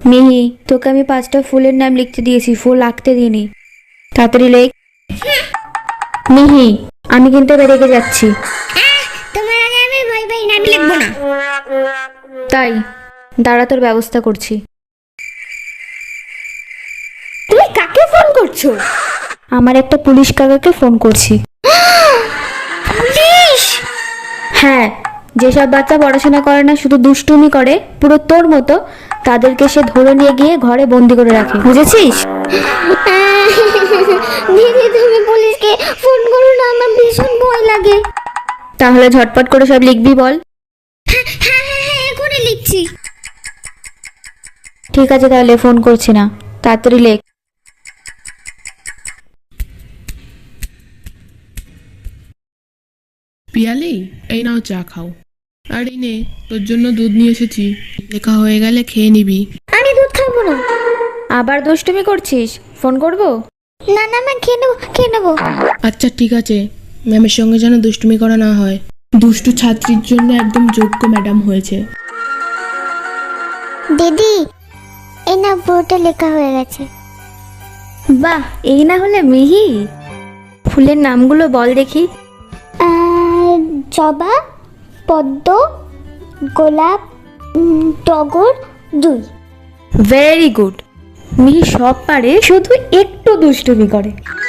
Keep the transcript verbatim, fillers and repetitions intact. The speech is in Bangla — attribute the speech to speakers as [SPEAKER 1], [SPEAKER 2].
[SPEAKER 1] মিহি, তোকে আমি পাঁচটা ফুলের নাম লিখতে দিয়েছি, ফুল আঁকতে দিইনি। তাড়াতাড়ি লেখ। মিহি, আমি কিন্তু এবার রেগে যাচ্ছি।
[SPEAKER 2] তোমার আগে আমি ভয় পাই না, আমি লিখবো না।
[SPEAKER 1] তাই দাঁড়া, তোর ব্যবস্থা করছি।
[SPEAKER 2] তুমি কাকে ফোন করছো?
[SPEAKER 1] আমার একটা পুলিশ কাকাকে ফোন করছি।
[SPEAKER 2] পুলিশ?
[SPEAKER 1] হ্যাঁ, যেসব বাচ্চা পড়াশোনা করে না, শুধু দুষ্টুমি করে, পুরো তোর মতো, তাদেরকে সে ধরে নিয়ে গিয়ে ঘরে বন্দি করে রাখে, বুঝেছিস?
[SPEAKER 2] দিদি তুমি পুলিশকে ফোন করো না, আমার ভীষণ ভয় লাগে।
[SPEAKER 1] তাহলে ঝটপট করে সব লিখবি বল।
[SPEAKER 2] হ্যাঁ হ্যাঁ হ্যাঁ, এখনই লিখছি।
[SPEAKER 1] ঠিক আছে, তাহলে ফোন করছি না, তাড়াতাড়ি লেখ।
[SPEAKER 3] পিয়ালি, এই নাও চা খাও। আর এই নে, তোর জন্য দুধ নিয়ে এসেছি, লেখা হয়ে গেলে খেয়ে নিবি।
[SPEAKER 2] আমি দুধ খাবো না।
[SPEAKER 1] আবার দুষ্টুমি করছিস? ফোন করব?
[SPEAKER 2] না না, আমি খেয়ে নেবো খেয়ে নেবো।
[SPEAKER 3] আচ্ছা ঠিক আছে, ম্যামের সঙ্গে যেন দুষ্টুমি করা না হয়। দুষ্টু ছাত্রীর জন্য একদম যোগ্য ম্যাডাম হয়েছে।
[SPEAKER 2] দিদি, এই না পুরোটা লেখা হয়ে গেছে।
[SPEAKER 1] বাহ, এই না হলে মিহি। ফুলের নামগুলো বল দেখি।
[SPEAKER 2] আহ, জবা, পদ্ম, গোলাপ, উম, টগর, জুই।
[SPEAKER 1] Very good. মিহি সব পারে, শুধু একটু দুষ্টুমি করে।